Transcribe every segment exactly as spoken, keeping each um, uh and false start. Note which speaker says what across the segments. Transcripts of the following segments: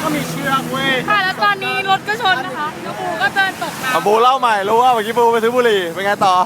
Speaker 1: ก็มีเชือกเว้ย
Speaker 2: ค่ะแล้วตอนนี้รถก็ชนนะคะแล้วปูก็เดินตกน้ำ
Speaker 3: บูเล่าใหม่รู้ว่าเมื่อกี้บูไปซื้อบุหรี่เป็นไงต่อ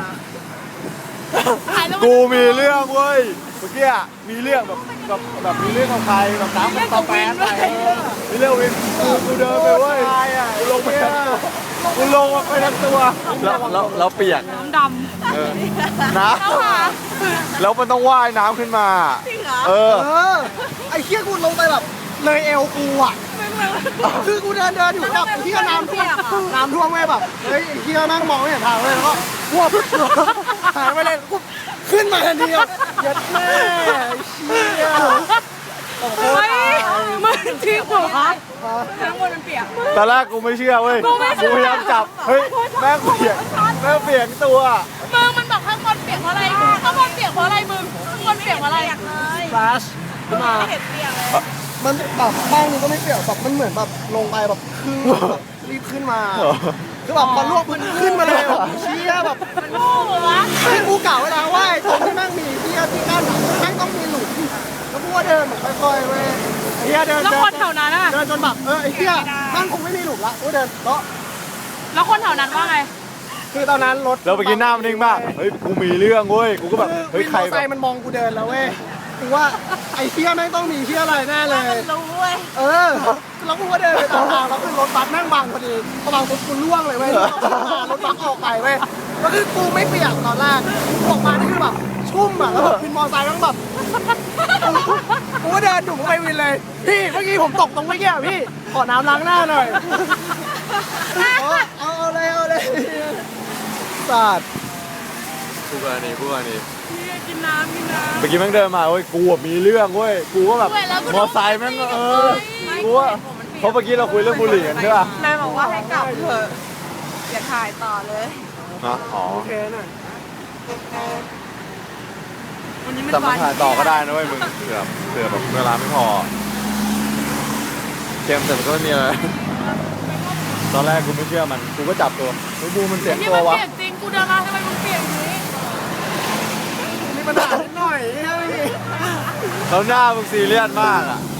Speaker 3: กูมีเรื่องเว้ยเมื่อกี้มีเรื่องแบบแบบแบบมีเรื่องกับใครแบบน้ำมันตะแปนไปมีเรื่องวินกูกูเดินไปเว้ยกูลงไปกูลงไปทั้งตัวแล้วแล้วแล้วเปียก
Speaker 2: น้ำดำ
Speaker 3: เออน้ำแล้วมันต้องว่ายน้ำขึ้นมาเออ
Speaker 1: เออไอ้เชี่ยกูลงไปแบบเลยเอวกูอ่ะคือกูเดินเดินอยู่แบบเชี่ยน้ำท่วมน้ำท่วมไงแบบเฮ้ยไอ้เชี่ยนั่งมองไม่เห็นทางเลยแล้วก็พวบหายไปเลยกูขึ้นมาทันทีอ่ะเย็ดแม่เชี่ย
Speaker 2: เฮ้ยมึงจริงเหรอทั้งหมดมันเปียก
Speaker 3: ตอนแรกกูไม่เชื่อเว้ย
Speaker 2: กูไม่เชื่อ
Speaker 3: พยายามจับเฮ้ยแม่งเปียกแม่งเปียกตัว
Speaker 2: มึงมันบอกข้างบนเปียกเพราะอะไรข้างบนเปียกเพราะอะไรมึงข้างบนเปียกเพราะอะไร
Speaker 1: ฟลาชขึ้นมามันแบบบ้างนึงก็ไม่เปียกแบบมันเหมือนแบบลงไปแบบครึ่งแบบรีบขึ้นมาคือแบบพอลวกมันขึ้นมาเลยแบบเชี่ยแบบ
Speaker 2: มันโง่เหรอวะ
Speaker 1: ที่กูกล่าวไว้แล้วว่าไอ้ตรงที่แม่งมีเชี่ยที่กั้นแม่งต้องมีหลุมแล้วกูก็เดินแบบค่อยๆเว้ยไอ้เชี่ยเดิน
Speaker 2: แล้ว
Speaker 1: เดิ
Speaker 2: คนแถวนั้นอะ
Speaker 1: เดินจนแบบเออไอ้เชี่ยแม่งคงไม่มีหลุมละกูเดินเลาะ
Speaker 2: แล้วคนแถวนั้นว่าไง
Speaker 1: คือตอนนั้นรถ
Speaker 3: แล้วเมื่อกี้หน้ามันนิ่งมากเฮ้ยกูมีเรื่องเว้ยกูก็แบบ
Speaker 1: คือ
Speaker 3: เฮ้ย
Speaker 1: วิน
Speaker 3: ใค
Speaker 1: ม
Speaker 3: ร
Speaker 1: อเตอร์
Speaker 3: แบ
Speaker 1: ไซ
Speaker 3: บ
Speaker 1: ค์มันมองกูเดินแล้วเว้ยกูว่าไอ้เชี่ยแม่งต้องมีเชี่ยอะไรแน่เลย
Speaker 2: รู้เว้ย
Speaker 1: เออแล้วกูก็เดินไปตามทางแล้วคือรถบัสแม่งบังพอดีพอบังปุ๊บกูล่วงเลยเว้ยรถบัสออกไปเว้ยแล้วคือกูไม่เปียกตอนแรกกูออกมานี่คือแบบชุ่มอ่ะแล้วแบบวินมอเตอร์ไซค์แม่งแบบกูก็เดินดุ่มไปวินเลยพี่เมื่อกี้ผมตกตรงเมื่อกี้อ่ะพี่ขอน้ำล้างหน้าหน่อยเอาเอาเอาเลยเอาเลยสาด
Speaker 3: กูกรณีกูกรณี
Speaker 2: พี่กินน้ำกินน้ำ
Speaker 3: เมื่อกี้แม่งเดินมาเว้ยกูอะมีเรื่องเว้ยกูก็แบบ
Speaker 2: ด้วยแล้วกู
Speaker 3: มอไซค์แม่งก็เออกูว่าเพราะเมื่อกี้เราคุยเรื่องบุหรี่กันใช่ป่ะ
Speaker 4: นายบอกว่าให้กลับเถอะอย่าถ่ายต่อเลย
Speaker 3: ฮะอ๋อ
Speaker 1: โอเคหน่อย
Speaker 4: วันนี้มัน
Speaker 3: แต่มา
Speaker 4: วัน
Speaker 3: ถ่ายต่อก็ได้นะเว้ยมึงเผื่อเผื่อแบบเวลาไม่พอเกมแต่มันก็ไม่มีอะไรตอนแรกกูไม่เชื่อมันกูก็จับตัวเฮ้ยบูมันเสียง
Speaker 2: ที่
Speaker 3: ตัว
Speaker 2: มัน
Speaker 3: วะ
Speaker 2: เปียกจริงกูเดินมาทำไมมึงเปียกอย่างนี้
Speaker 1: มีปัญหานิดหน่อยเฮ้ย
Speaker 3: แล้วหน้ามึงซีเรียสมากอ่ะ